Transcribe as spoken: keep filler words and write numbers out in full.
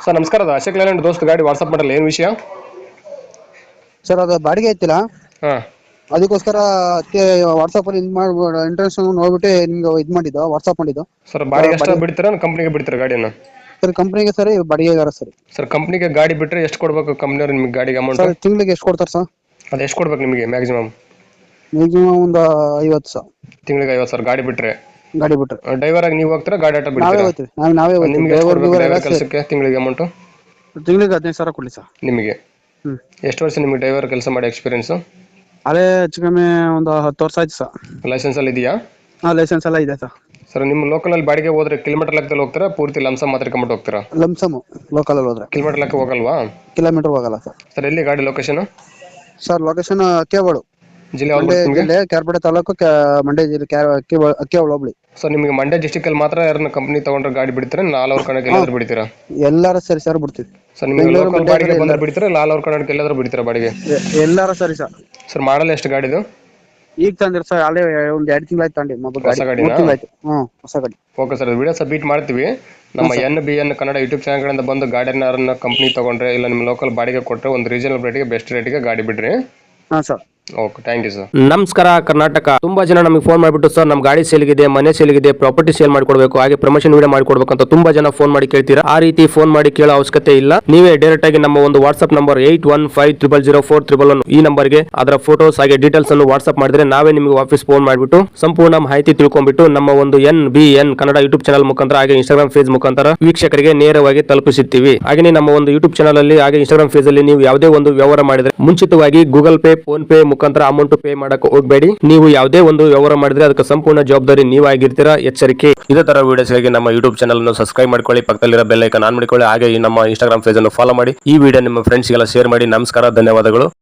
Sir ನಮಸ್ಕಾರ, ಅದು Ashok Layland ದೋಸ್ತ್ ಗಾಡಿ ವಾಟ್ಸಪ್ ಮಾಡಲ್ಲ, ಏನು ವಿಷಯ? ಸರ್ ಅದು ಬಾಡಿಗೆ ಐತಿಲ್ಲ, ಹಾಂ ಅದಕ್ಕೋಸ್ಕರ ಅದಕ್ಕೆ ವಾಟ್ಸಪ್ ಅಲ್ಲಿ ಇದು ಮಾಡಿ ಇಂಟ್ರೆಸ್ಟ್ ನೋಡ್ಬಿಟ್ಟು ನಿಮ್ಗೆ ಇದು ಮಾಡಿದ್ದು, ವಾಟ್ಸಪ್ ಮಾಡಿದ್ದು. ಸರ್ ಬಾಡಿಗೆ ಎಷ್ಟು ಬಿಡ್ತೀರಾ, ಕಂಪ್ನಿಗೆ ಬಿಡ್ತೀರಾ ಗಾಡಿಯನ್ನು? ಸರ್ ಕಂಪ್ನಿಗೆ ಸರ್ ಬಾಡಿಗೆಗಾರ ಸರ್. ಸರ್ ಕಂಪ್ನಿಗೆ ಗಾಡಿ ಬಿಟ್ಟರೆ ಎಷ್ಟು ಕೊಡಬೇಕು ಕಂಪ್ನಿಯವ್ರು ನಿಮಗೆ ಗಾಡಿಗೆ ಅಮೌಂಟ್? ಸರ್ ತಿಂಗಳಿಗೆ ಎಷ್ಟು ಕೊಡ್ತಾರೆ ಸರ್? ಅದು ಎಷ್ಟು ಕೊಡ್ಬೇಕು ನಿಮಗೆ ಮ್ಯಾಕ್ಸಿಮಮ್? ಮ್ಯಾಕ್ಸಿಮಮ್ ಒಂದು ಐವತ್ತು ಸಾವಿರ ತಿಂಗಳಿಗೆ ಐವತ್ತು ಸಾವಿರ ಗಾಡಿ ಬಿಟ್ಟರೆ. ಗಾಡಿ ಬಿಟ್ಟರೆ ಡ್ರೈವರ್ ಆಗಿ ನೀವು ಹೋಗ್ತೀರಾ, ಗಾಡಿ ಆಟ ನಾವೇ ಬಿಡ್ತೀರಾ? ಹೋಗ್ತೀವಿ, ನಾವು ನಾವೇ ಹೋಗ್ತೀವಿ. ನಿಮಗೆ ಎಷ್ಟು ಕೊಡ್ಬೇಕು ಡ್ರೈವರ್ ಕೆಲಸಕ್ಕೆ ತಿಂಗಳಿಗೆ ಅಮೌಂಟು? ತಿಂಗಳಿಗೆ ಹದಿನೈದು ಸಾವಿರ ಕೊಡಲಿ ಸರ್. ನಿಮಗೆ ಹ್ಞೂ ಎಷ್ಟು ವರ್ಷ ನಿಮಗೆ ಡ್ರೈವರ್ ಕೆಲಸ ಮಾಡಿ ಎಕ್ಸ್ಪೀರಿಯನ್ಸು? ಅದೇ ಹೆಚ್ಚು ಕಮ್ಮಿ ಒಂದು ಹತ್ತು ವರ್ಷ ಆಯ್ತು ಸರ್. ಲೈಸೆನ್ಸ್ ಅಲ್ಲಿ ಇದೆಯಾ? ಹಾಂ ಲೈಸೆನ್ಸ್ ಎಲ್ಲ ಇದೆ ಸರ್. ಸರ್ ನಿಮ್ಮ ಲೋಕಲಲ್ಲಿ ಬಾಡಿಗೆ ಹೋದ್ರೆ ಕಿಲೋಮೀಟರ್ ಲೆಕ್ಕದಲ್ಲಿ ಹೋಗ್ತೀರಾ, ಪೂರ್ತಿ ಲಂಸ ಮಾತ್ರ ಕಂಬಿಟ್ಟು ಹೋಗ್ತೀರಾ? ಲಂಸಮು ಲೋಕಲಲ್ಲಿ ಹೋದ್ರೆ ಕಿಲೋಮೀಟರ್ ಲೆಕ್ಕ ಹೋಗಲ್ವಾ? ಕಿಲೋಮೀಟರ್ ಹೋಗಲ್ಲ ಸರ್. ಸರ್ ಎಲ್ಲಿ ಗಾಡಿ ಲೊಕೇಶನ್? ಸರ್ ಲೊಕೇಶನ್ ಅಕ್ಕಿಯಾಬಾಳು, ಜಿಲ್ಲೆ ಮಂಡ್ಯ ಯಾವ್ದು ನಿಮಗೆ? ಜಿಲ್ಲೆ ಕ್ಯಾರ್ಪೇಟೆ ತಾಲೂಕು, ಕ್ಯಾ- ಮಂಡ್ಯ ಜಿಲ್ಲೆ ಕ್ಯಾ- ಅಕ್ಕಿ- ಅಕ್ಕಿಯಾಬಾಳು ಹೋಬಳಿ. ಸರ್ ನಿಮಗೆ ಮಂಡ್ಯ ಡಿಸ್ಟಿಕ್ ಅಲ್ಲಿ ಮಾತ್ರ ಯಾರನ್ನ ಕಂಪ್ನಿ ತಗೊಂಡ್ರೆ ಗಾಡಿ ಬಿಡ್ತೀರಾ, ಆಲ್ ಓವರ್ ಕರ್ನಾಟಕ ಎಲ್ಲಾದ್ರೂ ಬಿಡ್ತೀರಾ? ಎಲ್ಲಾರು ಸರಿ ಸರ್ ಬಿಡ್ತೀವಿ. ಸರ್ ನಿಮಗೆ ಬೆಂಗಳೂರು, ಲೋಕಲ್ ಮಂಡ್ಯ ಬಾಡಿಗೆ ಕಡೆ ಬಂದ್ರೆ ಎಲ್ಲಾರು. ಬಿಡ್ತೀರಾ, ಇಲ್ಲ ಆಲ್ ಓವರ್ ಕರ್ನಾಟಕ ಎಲ್ಲಾದ್ರೂ ಬಿಡ್ತೀರಾ ಬಾಡಿಗೆ? ಎ- ಎಲ್ಲಾರು ಸರಿ ಸರ್. ಸರ್ ಮಾಡಲ್ ಎಷ್ಟು ಗಾಡಿದು? ಈಗ ತಂದಿರ ಸರ್, ಅಲ್ಲೇ ಒಂದ್ ಎರಡು ತಿಂಗಳಾಯ್ತು ತಗೊಂಡಿ ಮೊಬೈಲ್ ಹೊಸ ಗಾಡಿ, ಗಾಡಿನಾ? ಮೂರು ತಿಂಗಳಾಯ್ತು. ಹ್ಮ್ ಹೊಸ ಗಾಡಿ. ಓಕೆ ಸರ್, ವಿಡಿಯೋ ಸಬ್ಮಿಟ್ ಮಾಡ್ತೀವಿ. ನಮ್ಮ N B N Kannada YouTube ಚಾನಲ್ಗಳಿಂದ ಬಂದು ಗಾಡಿಯನ್ನ ಕಂಪ್ನಿ ತಗೊಂಡ್ರೆ ಇಲ್ಲ ನಿಮ್ಮ ಲೋಕಲ್ ಬಾಡಿಗೆ ಕೊಟ್ಟರೆ ಒಂದು ರೀಸನಬಲ್ ರೇಟಿಗೆ ಬೆಸ್ಟ್ ರೇಟಿಗೆ ಗಾಡಿ ಬಿಡ್ರಿ. ಹಾ sir. Okay, thank you sir. ನಮಸ್ಕಾರ ಕರ್ನಾಟಕ. ತುಂಬಾ ಜನ ನಮಗೆ ಫೋನ್ ಮಾಡಿಬಿಟ್ಟು ಸರ್ ನಮ್ಮ ಗಾಡಿ ಸೇಲ್ಗಿದೆ, ಮನೆ ಸೇಲ್ಗಿದೆ, ಪ್ರಾಪರ್ಟಿ ಸೇಲ್ ಮಾಡ್ಕೊಡ್ಬೇಕು, ಹಾಗೆ ಪ್ರಮೋಷನ್ ವಿಡಿಯೋ ಮಾಡ್ಕೊಡ್ಬೇಕು ಅಂತ ತುಂಬಾ ಜನ ಫೋನ್ ಮಾಡಿ ಕೇಳ್ತೀರಾ. ಆ ರೀತಿ ಫೋನ್ ಮಾಡಿ ಕೇಳೋ ಅವಶ್ಯಕತೆ ಇಲ್ಲ. ನೀವೇ ಡೈರೆಕ್ಟ್ ಆಗಿ ನಮ್ಮ ಒಂದು WhatsApp number eight one five triple zero four triple one ಈ ನಂಬರ್ಗೆ ಅದರ ಫೋಟೋಸ್ ಹಾಗೆ ಡೀಟೇಲ್ಸ್ ಅನ್ನು ವಾಟ್ಸ್ಆಪ್ ಮಾಡಿದ್ರೆ ನಾವೇ ನಿಮಗೆ ವಾಪಸ್ ಫೋನ್ ಮಾಡಿಬಿಟ್ಟು ಸಂಪೂರ್ಣ ಮಾಹಿತಿ ತಿಳ್ಕೊಂಡ್ಬಿಟ್ಟು ನಮ್ಮ ಒಂದು N B N Kannada YouTube channel ಮುಖಾಂತರ ಹಾಗೆ ಇನ್ಸ್ಟಾಗ್ರಾಮ್ ಪೇಜ್ ಮುಖಾಂತರ ವೀಕ್ಷಕರಿಗೆ ನೇರವಾಗಿ ತಲುಪಿಸುತ್ತೀವಿ. ಹಾಗೆ ನಮ್ಮ ಒಂದು ಯೂಟ್ಯೂಬ್ ಚಾನಲ್ ಅಲ್ಲಿ ಹಾಗೆ ಇನ್ಸ್ಟಾಗ್ರಾಮ್ ಪೇಜ್ ಅಲ್ಲಿ ನೀವು ಯಾವುದೇ ಒಂದು ವ್ಯವಹಾರ ಮಾಡಿದ್ರೆ ಮುಂಚಿತವಾಗಿ ಗೂಗಲ್ ಪೇ, ಫೋನ್ ಪೇ ಮುಖಾಂತರ ಅಮೌಂಟ್ ಪೇ ಮಾಡಕ್ಕೆ ಹೋಗಬೇಡಿ. ನೀವು ಯಾವುದೇ ಒಂದು ವ್ಯವಹಾರ ಮಾಡಿದ್ರೆ ಅದಕ್ಕೆ ಸಂಪೂರ್ಣ ಜವಾಬ್ದಾರಿ ನೀವಾಗಿರ್ತೀರಾ, ಎಚ್ಚರಿಕೆ. ಇದೇ ತರ ವಿಡಿಯೋಸ್ಗಾಗಿ ನಮ್ಮ ಯೂಟ್ಯೂಬ್ ಚಾನಲ್ ಅನ್ನು ಸಬ್ಸ್ಕ್ರೈಬ್ ಮಾಡ್ಕೊಳ್ಳಿ, ಪಕ್ಕದಲ್ಲಿರೋ ಬೆಲ್ ಐಕಾನ್ ಆನ್ ಮಾಡಿಕೊಳ್ಳಿ, ಹಾಗೆ ಈ ನಮ್ಮ ಇನ್ಸ್ಟಾಗ್ರಾಮ್ ಪೇಜ್ ಅನ್ನು ಫಾಲೋ ಮಾಡಿ. ಈ ವಿಡಿಯೋ ನಿಮ್ಮ ಫ್ರೆಂಡ್ಸ್ಗೆಲ್ಲ ಶೇರ್ ಮಾಡಿ. ನಮಸ್ಕಾರ, ಧನ್ಯವಾದಗಳು.